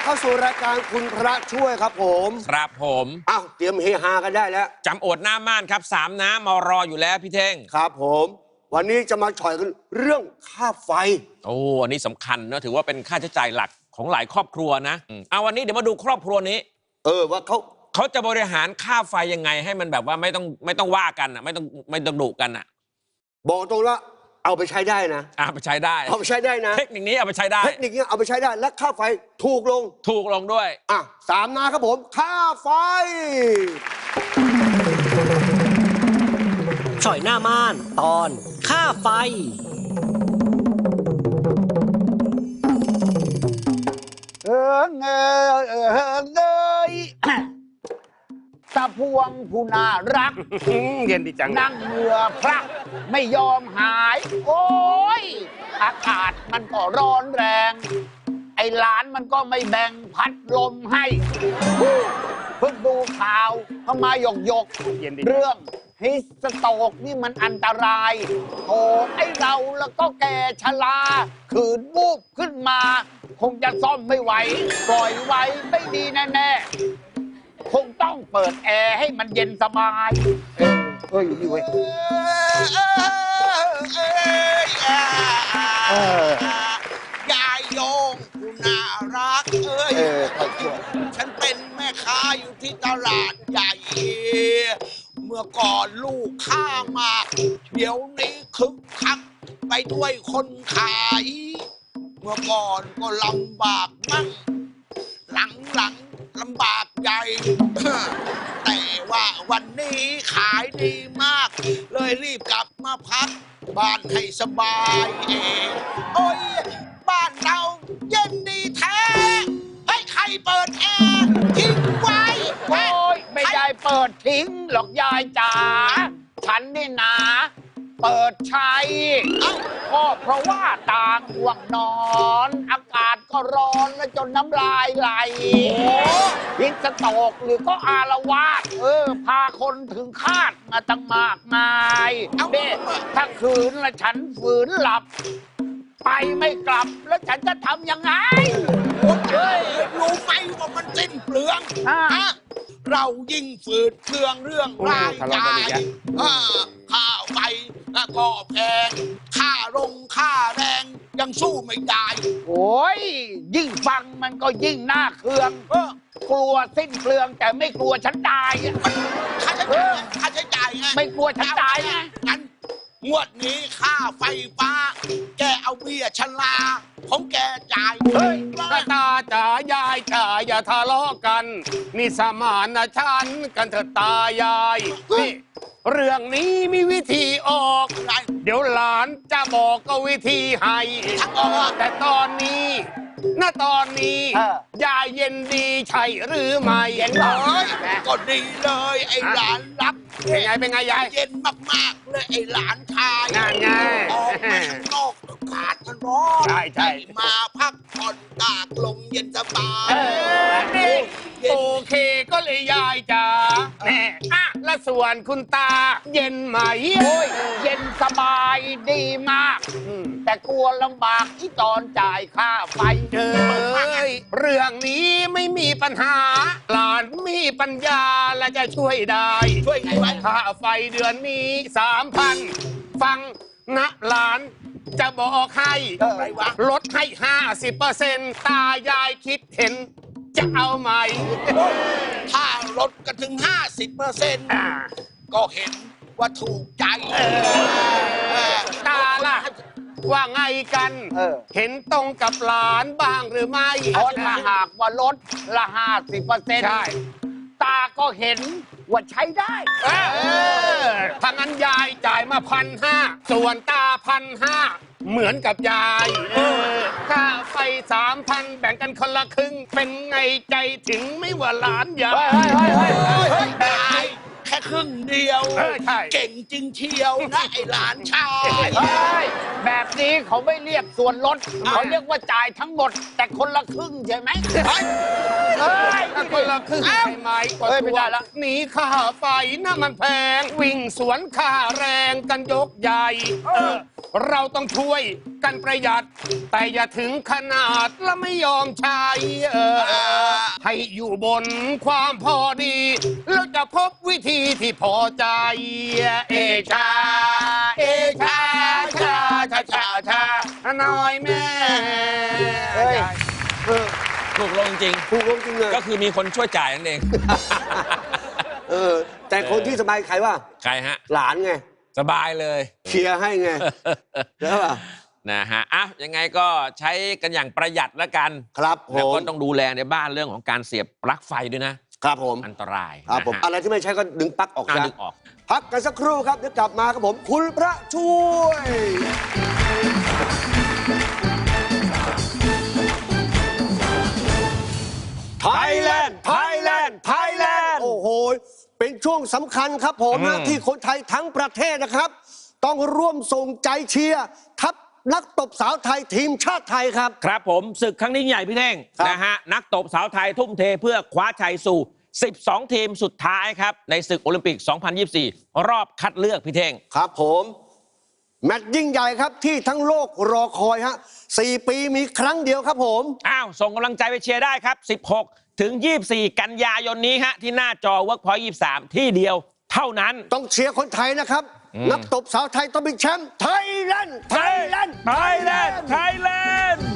เข้าสู่รายการคุณพระช่วยครับผมครับผมอ้าวเตรียมเฮฮากันได้แล้วจำโอดหน้าม่านครับ3น้ำมารออยู่แล้วพี่เท่งครับผมวันนี้จะมาฉ่อยกันเรื่องค่าไฟโอ้อันนี้สำคัญนะถือว่าเป็นค่าใช้จ่ายหลักของหลายครอบครัวนะเอาวันนี้เดี๋ยวมาดูครอบครัวนี้ว่าเขาจะบริหารค่าไฟยังไงให้มันแบบว่าไม่ต้องว่ากันอ่ะไม่ต้องดุกันอ่ะบอกตรงละเอาไปใช้ได้นะเอาไปใช้ได้เอาไปใช้ได้นะเทคนิคนี้เอาไปใช้ได้เทคนิคนี้เอาไปใช้ได้และค่าไฟถูกลงด้วย 3 นาครับผมค่าไฟฉ่อยหน้าม่านตอนค่าไฟตะพวงผู้น่ารักเย็นดีจังนั่งเหงื่อพระไม่ยอมหาย โอ้ยอากาศมันก็ร้อนแรงไอ้หลานมันก็ไม่แบ่งพัดลมให้เพิ่งดูข่าวเข้ามาหยกเรื่องฮิสโตกนี่มันอันตรายโถไอ้เราแล้วก็แก่ชราขืนวูบขึ้นมาคงจะซ่อมไม่ไหวปล่อยไว้ไม่ดีแน่ๆคงต้องเปิดแอร์ให้มันเย็นสบายนี่เว้ยยายโยงผู้น่ารักฉันเป็นแม่ค้าอยู่ที่ตลาดใหญ่เมื่อก่อนลูกค้ามากเดี๋ยวนี้คึกคักไปด้วยคนขายเมื่อก่อนก็ลำบากมั่งหลังลำบากใหญ่ แต่ว่าวันนี้ขายดีมากเลยรีบกลับมาพักบ้านให้สบายเองโอ้ยบ้านเราเย็นดีแท้ให้ใครเปิดแอร์ทิ้งไว้โอ้ยไม่ได้เปิดทิ้งหรอกยายจ๋าฉันนี่นะเปิดใช้ก็เพราะว่าต่างห่วงนอนอากาศก็ร้อนและจนน้ำลายไหลฮิสโตกหรือก็อารวาสพาคนถึงคาดมาตั้งมากมายถ้าคืนละฉันฝืนหลับไปไม่กลับแล้วฉันจะทำยังไงรู้ไหมว่ามันสิ้นเปลืองเรายิ่งฝืดเครื่องเรื่องรายจ่ายค่าไฟก็แพงค่าแรงยังสู้ไม่ได้โอ้ยยิ่งฟังมันก็ยิ่งน่าเคืองกลัวสิ้นเปลืองแต่ไม่กลัวฉันตายค่าใช้จ่ายไงไม่กลัวฉันตายไงงั้นงวดนี้ค่าไฟฟ้าแกเอาเบี้ยชราของแกจ่ายตาจ๋ายายจ๋าอย่าทะเลาะกันนี่สมานฉันกันเถิดตายายนี่เรื่องนี้มีวิธีออกเดี๋ยวหลานจะบอกก็วิธีให้แต่ตอนนี้ยายเย็นดีใช่หรือไม่เย็นเลยก็ดีเลยไอ้หลานรักเป็นไงยายเย็นมากๆเลยไอ้หลานชายงานไงออกมาข้างนอกอากาศมันร้อนใช่มาพักผ่อนตากลมเย็นสบายโอเคก็เลยยายจ๋าแน่และส่วนคุณตาเย็นไหมเย็นสบายดีมากแต่กลัวลำบากที่ตอนจ่ายค่าไฟเรื่องนี้ไม่มีปัญหาหลานมีปัญญาและจะช่วยได้ช่วยไงวะค่าไฟเดือนนี้ 3,000 ฟังนะหลานจะบอกให้ลดให้ 50% ตายายคิดเห็นจะเอาไหมถ้าลดกันถึง 50% ก็เห็นว่าถูกใจตาล่ะว่าไงกันเห็นตรงกับหลานบ้างหรือไม่ถ้าหากว่าลดละ 50% ใช่ตาก็เห็นว่าใช้ได้ถ้างั้นยายจ่ายมา1,500ส่วนตา1,500เหมือนกับยายค่าไฟ 3,000 แบ่งกันคนละครึ่งเป็นไงใจถึงไม่ว่าหลานยายแค่ครึ่งเดียวเก่งจริงเชียวนะไอ้หลานชายแบบนี้เขาไม่เรียกส่วนลดเขาเรียกว่าจ่ายทั้งหมดแต่คนละครึ่งใช่ไหมคนละครึ่งใช่ไหมไม่ได้ละหนีค่าไฟน่ะมันแพงวิ่งสวนค่าแรงกันยกใหญ่เราต้องช่วยกันประหยัด แต่อย่าถึงขนาดและไม่ยอมใช้ให้อยู่บนความพอดีแล้วจะพบวิธีที่พอใจ เอชา เอชาชาชาชาชาน้อยแม่เฮ้ยเออถูกลงจริงถูกลงจริงเลยก็คือมีคนช่วยจ่ายนั่นเองแต่คนที่สบายใครว่าใครฮะหลานไงสบายเลยเคลียร์ให้ไงใช่ป่ะนะฮะอ่ะยังไงก็ใช้กันอย่างประหยัดแล้วกันครับผแล้วมก็ต้องดูแลในบ้านเรื่องของการเสียบปลั๊กไฟด้วยนะครับผมอันตรายครับผมนะฮะอะไรที่ไม่ใช่ก็ดึงปลั๊กออกอ่ะซะดึงออกพักกันสักครู่ครับเดี๋ยวกลับมาครับผม คุณพระช่วย Thailand Thailand Thailand โอ้โห เป็นช่วงสำคัญครับผมนะที่คนไทยทั้งประเทศนะครับ ต้องร่วมส่งใจเชียร์ทัพนักตบสาวไทยทีมชาติไทยครับครับผมศึกครั้งนี้ใหญ่พี่เท่งครับนะฮะนักตบสาวไทยทุ่มเทเพื่อคว้าชัยสู่ 12 ทีมสุดท้ายครับ ในศึกโอลิมปิก 2024 รอบคัดเลือกพี่เท่งครับผม แมตช์ยิ่งใหญ่ครับที่ทั้งโลกรอคอยฮะ4 ปีมีครั้งเดียวครับผมอ้าว ส่งกำลังใจไปเชียร์ได้ครับ 16 ถึง 24 กันยายนนี้ฮะที่หน้าจอ Workpoint 23 ที่เดียวเท่านั้นต้องเชียร์คนไทยนะครับ นักตบสาวไทยต้องเป็นแชมป์ไทยแลนด์ Thailand Thailand